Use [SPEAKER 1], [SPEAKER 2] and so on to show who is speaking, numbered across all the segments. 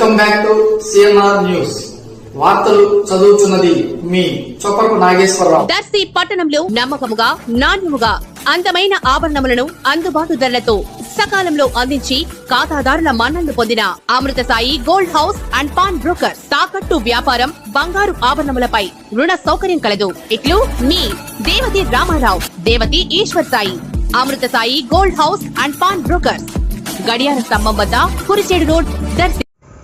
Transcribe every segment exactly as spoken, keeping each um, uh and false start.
[SPEAKER 1] Welcome back to CNR news. వార్తలు చదువుతున్నది మీ చొప్పరపు నాగేశ్వరరావు.
[SPEAKER 2] దర్శి పట్టణంలో నమ్మకముగా నాణ్యముగా అందమైన ఆభరణములను అందుబాటు ధరలతో సకాలంలో అందించి ఖాతాదారుల మన్ననలు పొందిన Amrutha Sai gold house and pawnbroker. తాకట్టు వ్యాపారం, బంగారు ఆభరణములపై రుణ సౌకర్యం కలదు. ఇట్లు మీ Devathi Ramarao, Devathi Eswar Sai. Amrutha Sai gold house and pawnbroker, గడియార స్తంభం వద్ద కురిచేడు రోడ్, దర్శి.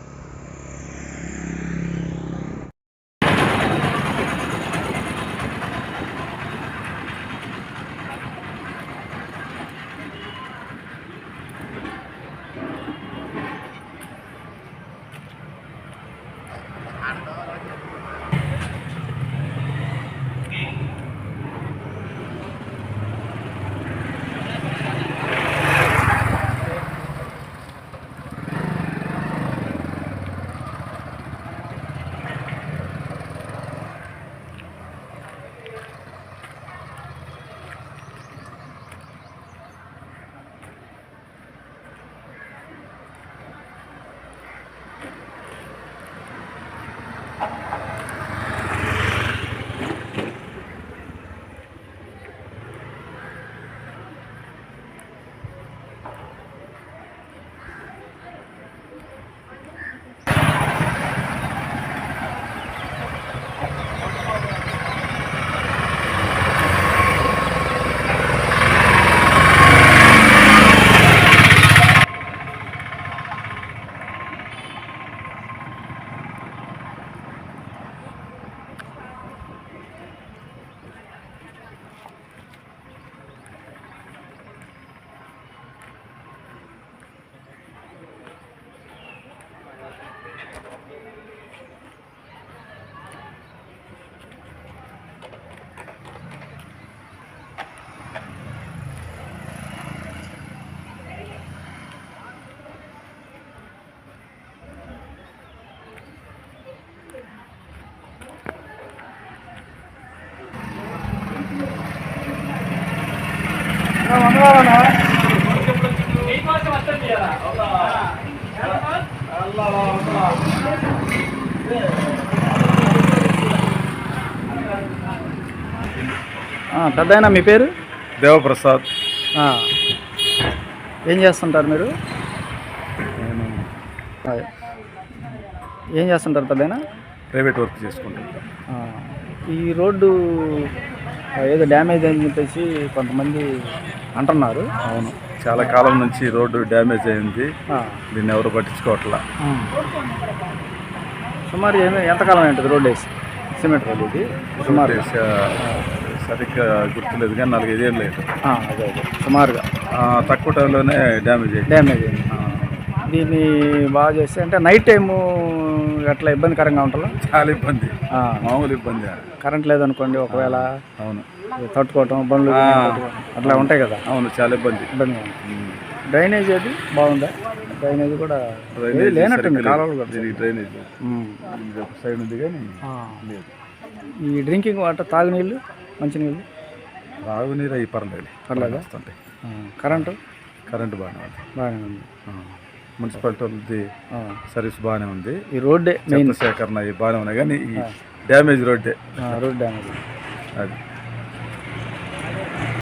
[SPEAKER 3] పెద్దయినా మీ పేరు?
[SPEAKER 4] దేవప్రసాద్.
[SPEAKER 3] ఏం చేస్తుంటారు మీరు? ఏం చేస్తుంటారు పెద్దయినా?
[SPEAKER 4] ప్రైవేట్ వర్క్ చేసుకుంటారు.
[SPEAKER 3] ఈ రోడ్డు ఏదో డ్యామేజ్ అని చెప్పేసి కొంతమంది అంటున్నారు.
[SPEAKER 4] అవును, చాలా కాలం నుంచి రోడ్డు డ్యామేజ్ అయింది. దీన్ని ఎవరు పట్టించుకోవట్లా.
[SPEAKER 3] సుమారు ఎంతకాలం ఏంటది రోడ్డు వేసి? సిమెంట్ రోడ్డు ఇది సుమారు
[SPEAKER 4] సరిగ్గా గుర్తులేదు కానీ నాలుగైదేళ్ళు లేదు.
[SPEAKER 3] అదే అదే సుమారుగా
[SPEAKER 4] తక్కువ టైంలోనే డ్యామేజ్ అయింది.
[SPEAKER 3] డ్యామేజ్ అయింది. దీన్ని బాగా చేస్తే అంటే నైట్ టైము అట్లా ఇబ్బందికరంగా ఉంటుందా?
[SPEAKER 4] చాలా ఇబ్బంది, మామూలు ఇబ్బంది.
[SPEAKER 3] కరెంట్ లేదనుకోండి ఒకవేళ.
[SPEAKER 4] అవును,
[SPEAKER 3] తట్టుకోవటం బండ్లు అట్లా ఉంటాయి కదా.
[SPEAKER 4] అవును, చాలా ఇబ్బంది.
[SPEAKER 3] ఇబ్బంది. డ్రైనేజ్ అది బాగుందా? డ్రైనేజ్ కూడా లేనట్టుంది కాలువలు కూడా.
[SPEAKER 4] దీనికి డ్రైనేజ్ సైడ్ ఉంది కానీ లేదు.
[SPEAKER 3] ఈ డ్రింకింగ్ వాటర్, తాగునీళ్ళు, మంచినీళ్ళు,
[SPEAKER 4] తాగునీరు అవి పర్లేదు
[SPEAKER 3] పర్లేదు
[SPEAKER 4] వస్తుంటాయి.
[SPEAKER 3] కరెంటు
[SPEAKER 4] కరెంటు బాగానే ఉంది.
[SPEAKER 3] బాగానే ఉంది.
[SPEAKER 4] మున్సిపాలిటీ సర్వీస్ బాగానే ఉంది.
[SPEAKER 3] ఈ రోడ్డే
[SPEAKER 4] మెయిన్ సేకరణ బాగానే ఉన్నాయి కానీ ఈ డ్యామేజ్ రోడ్డే.
[SPEAKER 3] రోడ్ డ్యామేజ్
[SPEAKER 4] అది